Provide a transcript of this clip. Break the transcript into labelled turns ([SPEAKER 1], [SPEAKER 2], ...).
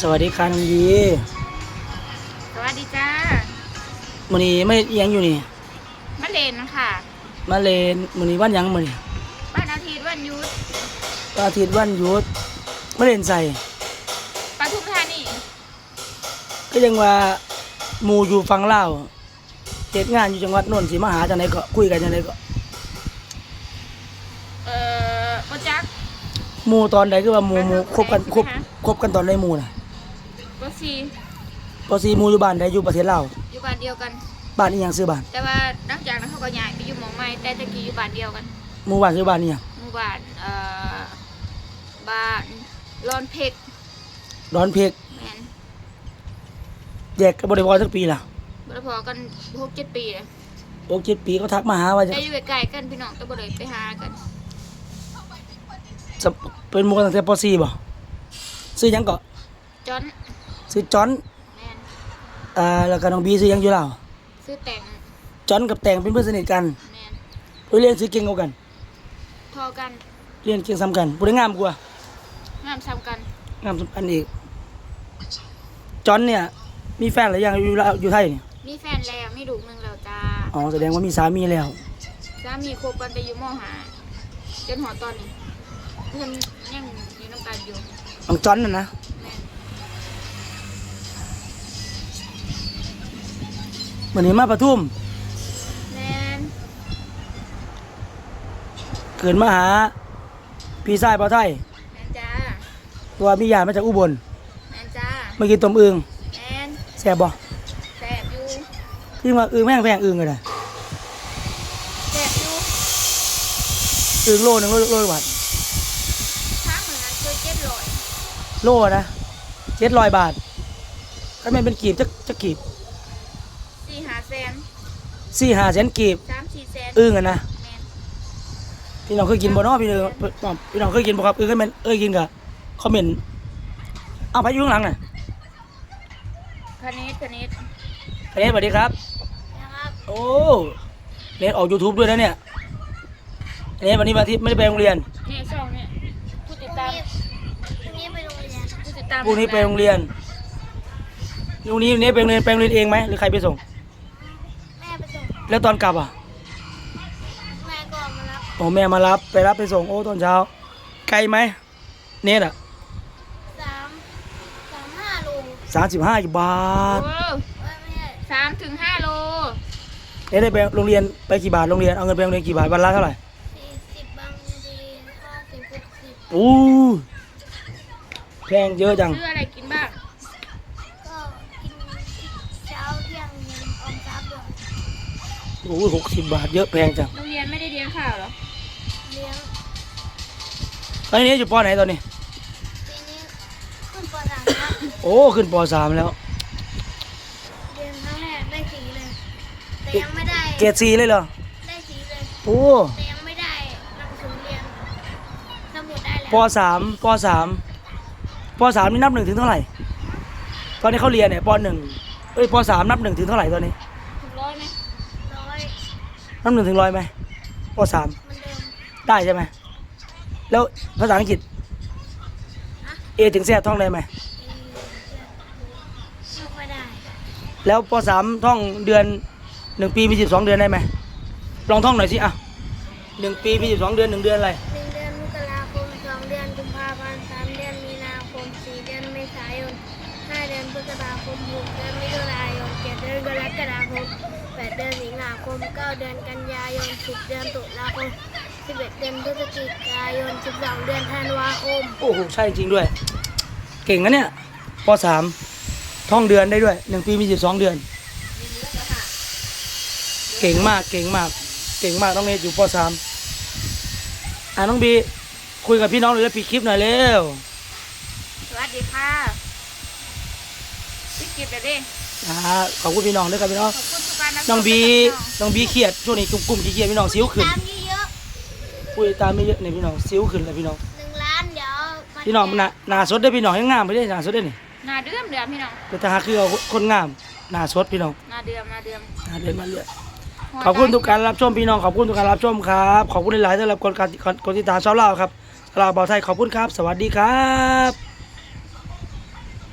[SPEAKER 1] สวัสดีค่ะน้องดี
[SPEAKER 2] สวัสดีจ้า
[SPEAKER 1] มื้อนี้ไม่เอียงอยู่นี่
[SPEAKER 2] มะเร็งค่ะ
[SPEAKER 1] มาเลนมื้อนี้วันหยังมื้อนี้
[SPEAKER 2] วันอาทิตย์วันหยุด
[SPEAKER 1] วันอาทิตย์วันหยุดมาเลนใส่
[SPEAKER 2] ปทุมธานี
[SPEAKER 1] ก็ยังว่าหมู่อยู่ฝั่งลาวเฮ็ดงานอยู่จังหวัดโน่นสิมาหาจังได๋ก็คุยกันจังได๋ก็
[SPEAKER 2] บ่จัก
[SPEAKER 1] หมู่ตอนใดคือว่าหมู่คบกันตอนใดหมู่น่ะ
[SPEAKER 2] บ่ซี
[SPEAKER 1] บ่สิหมู่อยู่บ้านใดอยู่ประเทศลาว
[SPEAKER 2] อยู่บ้านเดียวกัน
[SPEAKER 1] บ้านอีหยังชื่อบ้าน
[SPEAKER 2] แต่ว่าหลังจากนั้นเขาก็ย้ายไปอยู่หม้องใหม่แต่ตะกี้อยู่บ้านเดียวกัน
[SPEAKER 1] หมู่บ้านชื่อบ้านอีหยัง
[SPEAKER 2] หมู่บ้านบ้านรอนเพก
[SPEAKER 1] ดอนเพก
[SPEAKER 2] แม่น
[SPEAKER 1] แยกกันบ่ได้พอสักปีล่ะ
[SPEAKER 2] บ่ได้พอกัน 6-7 ปีแล้ว
[SPEAKER 1] 6-7 ปีเขาทักมาหาว่าจะ
[SPEAKER 2] ได้อยู่ใกล้ๆกันพี่น้องแต่บ่ได้ไปหากัน
[SPEAKER 1] เป็นหมู่กันตั้งแต่ป .4 บ่ชื่อหยังก็
[SPEAKER 2] จอน
[SPEAKER 1] ชื่อจอน
[SPEAKER 2] แม่น
[SPEAKER 1] แล้วก็น้องบีชื่อหยังอยู่ลาว
[SPEAKER 2] ชื่อแต่ง
[SPEAKER 1] จอนกับแต่งเป็นเพื่อนสนิทกัน
[SPEAKER 2] แม่น
[SPEAKER 1] ผู้เรียนซื้อเก่งกว่ากัน
[SPEAKER 2] ทอกัน
[SPEAKER 1] เรียนเก่งซ้ำกันผู้ได้งามกว่าง
[SPEAKER 2] ามซ้ำกัน
[SPEAKER 1] งามซ้ำกันอีกจอนเนี่ยมีแฟนหรือยังอยู่ไทยเนี่ย
[SPEAKER 2] มีแฟนแล้วมีลูกนึงแล้วจ้า
[SPEAKER 1] อ๋อแสดงว่ามีสามีแล้ว
[SPEAKER 2] สามีคบกันไปอยู่ม.5 จนหอตอนนี้เพิ่นยังอยู่น้ำกันอยู่
[SPEAKER 1] น้องจอนน่ะนะวันนี้มาปทุม
[SPEAKER 2] แม่น
[SPEAKER 1] เกิดมาหาพี่ชายบ่าวไทย
[SPEAKER 2] แม่นจ้า
[SPEAKER 1] ตัวมีญาติมาจากอุบล
[SPEAKER 2] แม่นจ้า
[SPEAKER 1] มากินต้มอึ่ง
[SPEAKER 2] แม่น
[SPEAKER 1] แซ่บบ่
[SPEAKER 2] แซ่บอยู่
[SPEAKER 1] คือว่าอึ่งแม่งแพงอึ่งก็ได้
[SPEAKER 2] แซ่บอยู่
[SPEAKER 1] อึ่งโลนึงโลบาท
[SPEAKER 2] ทั้งเหมือนกันคือ700
[SPEAKER 1] โลนะ700 บาทถ้าแม่นเป็นกีบจะกีบ
[SPEAKER 2] 4-5 แสน
[SPEAKER 1] 4-5 แสนกีบ
[SPEAKER 2] 3-4 แสน
[SPEAKER 1] อึ่งอ่ะนะ
[SPEAKER 2] แม่น
[SPEAKER 1] พี่น้องเคยกินบ่เนาะพี่น้องเคยกินบ่ครับเคยแม่นกินก็คอมเมนต์เอาไปอยู่ข้างหลังน่ะ
[SPEAKER 2] คณิต
[SPEAKER 1] สวัสดีครับ
[SPEAKER 2] นะครับ
[SPEAKER 1] โอ้เน็ตออก YouTube ด้วยนะเนี่ยเน็ตวันนี้วันอาทิตย์ไม่ได้ไปโรงเรียน
[SPEAKER 2] นี่ช่องเนี่ยผู้ติดตามพรุ่งนี้ไปโรงเรียนผู้ติดตาม
[SPEAKER 1] พรุ่งนี้ไปโรงเรียนพรุ่งนี้เน็ตไปโรงเรียนเองไหมหรือใครไปส่ง
[SPEAKER 2] แม่ไปส่ง
[SPEAKER 1] แล้วตอนกลับอ่ะ
[SPEAKER 2] แม่ก็มารับ
[SPEAKER 1] โอ้แม่มารับไปส่งโอ้ตอนเช้าไกลไหมเน็ตอ่ะ
[SPEAKER 2] 35 โล
[SPEAKER 1] 35 บาท
[SPEAKER 2] 3-5 โล
[SPEAKER 1] เน็ตได้ไปโรงเรียนไปกี่บาทโรงเรียนเอาเงินไปโรงเรียนกี่บาทวันละเท่าไหร่
[SPEAKER 2] 40บางที50 60
[SPEAKER 1] โอ้แพงเยอะจัง
[SPEAKER 2] ซื้ออะไรกินบ้างก็กินเช้าเที่ยงเย็นออมทรัพย์ด้วย
[SPEAKER 1] โอ้60 บาทเยอะแพงจัง
[SPEAKER 2] โรงเรียนไม่ได้เลี้ยงข้าวเหรอเลี้ยง
[SPEAKER 1] ตอนนี้อยู่ป.ไหนตอนนี้
[SPEAKER 2] ปีนี้ขึ้นป.3แล้ว
[SPEAKER 1] โอ้ขึ้นป.3แล้ว
[SPEAKER 2] เรียนครั้งแรกได้4เลยแต่ยังไม่ได้
[SPEAKER 1] เกรด4เลยเหรอ
[SPEAKER 2] ได้4เลย
[SPEAKER 1] โอ้
[SPEAKER 2] แต่ยังไม่ได้หนังสือเรียนสมุดได้แล้ว
[SPEAKER 1] ป.3 นี่นับ1ถึงเท่าไหร่ตอนนี้เขาเรียนเนี่ยป.1ป.3 นับ1ถึงเท่าไหร่ตอนนี้
[SPEAKER 2] ถึง100ไหม100
[SPEAKER 1] นับ1ถึง100ไหมป.3
[SPEAKER 2] เหมือนเดิม
[SPEAKER 1] ได้ใช่ไหมแล้วภาษาอังกฤษA ถึง Z ท่องได้ไหม
[SPEAKER 2] ไม่ได้
[SPEAKER 1] แล้วป.3 ท่องเดือน1 ปีมี12 เดือนได้ไหมลองท่องหน่อยสิอ่ะ1 ปีมี12 เดือน1 เดือนอะไร
[SPEAKER 2] 1 เดือนมกราคม2 เดือนกุมภาพันธ์3 เดือนมีนาคม4 เดือนเมษายน5 เดือนพฤษภาคม6 เดือนมิถุนายน7 เดือนกรกฎาคม8 เดือนสิงหาคม9 เดือนกันยายน10 เดือนตุลาคม11 เดือนพฤศจิกายน12 เดือนธันวาคม
[SPEAKER 1] โอ้โหใช่จริงด้วยเก่งนะเนี่ยป.3 ท่องเดือนได้ด้วย1 ปีมี12 เดือนเก่งมากน้องเนทอยู่ป.3 น้องบีคุยกับพี่น้องหรือปิดคลิปหน่อยเร็ว
[SPEAKER 2] สวัสดีค่ะปิดคลิปเลยดิ
[SPEAKER 1] ขอบคุณพี่น้องด้วยครับพี่น้อง
[SPEAKER 2] ขอบคุณทุกการรับชม
[SPEAKER 1] น้องบีเครียดช่วงนี้กลุ่มเครียดพี่น้องซิ้วขึ้น
[SPEAKER 2] ตามเยอะ
[SPEAKER 1] คุยตามไม่เยอะเนี่ยพี่น้องซิ้วขึ้นเลยพี่น้อง
[SPEAKER 2] 1 ล้านเดี๋ยว
[SPEAKER 1] พี่น้องหน้าสดได้พี่น้องให้งามไปได้หน้าสดได้นี่
[SPEAKER 2] หน้าเดือมพี่น้อง
[SPEAKER 1] แต่หาคือเอาคนงามหน้าสดพี่น้อง
[SPEAKER 2] หน้าเดือม
[SPEAKER 1] มาเรื่อยขอบคุณทุกการรับชมพี่น้องขอบคุณทุกการรับชมครับขอบคุณหลายๆสำหรับคนติดตามชาวลาวครับชาวลาวบ่าวไทยขอบคุณครับสวัสดีครับ